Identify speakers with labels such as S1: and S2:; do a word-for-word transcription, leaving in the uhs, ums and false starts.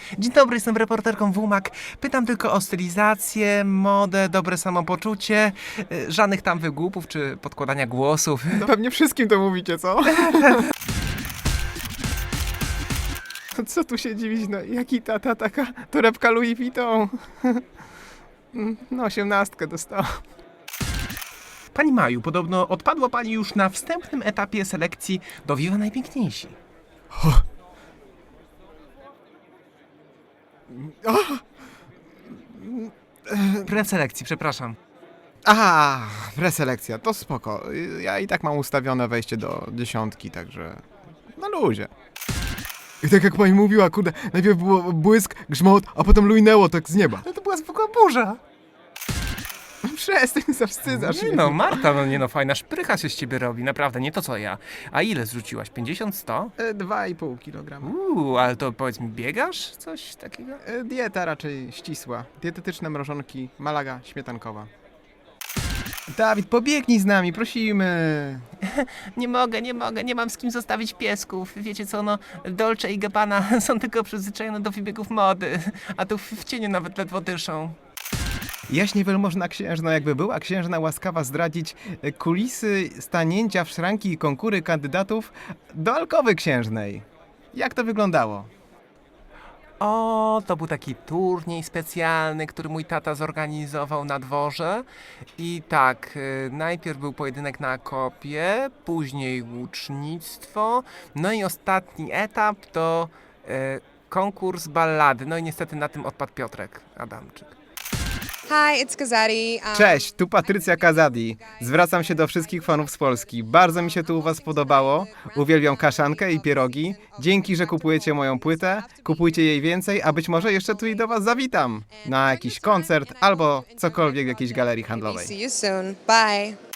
S1: Dzień dobry, jestem reporterką W M A K. Pytam tylko o stylizację, modę, dobre samopoczucie, y, żadnych tam wygłupów czy podkładania głosów.
S2: No pewnie wszystkim to mówicie, co? Co tu się dziwić, no jaki tata, taka torebka Louis Vuitton. No osiemnastkę dostała.
S1: Pani Maju, podobno odpadła pani już na wstępnym etapie selekcji do Viva Najpiękniejsi. Preselekcji, przepraszam.
S2: Aha, preselekcja, to spoko. Ja i tak mam ustawione wejście do dziesiątki, także na luzie. I tak jak pani mówiła, kurde, najpierw było błysk, grzmot, a potem lujnęło tak z nieba.
S1: No to była zwykła burza.
S2: Przestań, zawstydzasz
S1: Nie
S2: mnie.
S1: no, Marta, no nie no, fajna szprycha się z ciebie robi, naprawdę, nie to co ja. A ile zrzuciłaś? pięćdziesiąt, sto?
S2: E, Dwa i pół kilograma.
S1: Uuu, ale to powiedz mi, biegasz? Coś takiego?
S2: E, Dieta raczej ścisła. Dietetyczne mrożonki, malaga śmietankowa. Dawid, pobiegnij z nami, prosimy.
S1: Nie mogę, nie mogę, nie mam z kim zostawić piesków. Wiecie co, no, Dolce i Gabbana są tylko przyzwyczajone do wybiegów mody, a tu w, w cieniu nawet ledwo dyszą.
S2: Jaśnie wielmożna księżna, jakby była księżna łaskawa zdradzić e, kulisy stanięcia w szranki i konkury kandydatów do alkowy księżnej. Jak to wyglądało?
S1: O, to był taki turniej specjalny, który mój tata zorganizował na dworze. I tak, y, najpierw był pojedynek na kopie, później łucznictwo, no i ostatni etap to y, konkurs ballady. No i niestety na tym odpadł Piotrek Adamczyk.
S3: Hi, it's Kazadi. Um,
S2: Cześć, tu Patrycja Kazadi. Zwracam się do wszystkich fanów z Polski. Bardzo mi się tu u was podobało. Uwielbiam kaszankę i pierogi. Dzięki, że kupujecie moją płytę. Kupujcie jej więcej, a być może jeszcze tu i do was zawitam. Na jakiś koncert albo cokolwiek w jakiejś galerii handlowej.
S3: See you soon. Bye.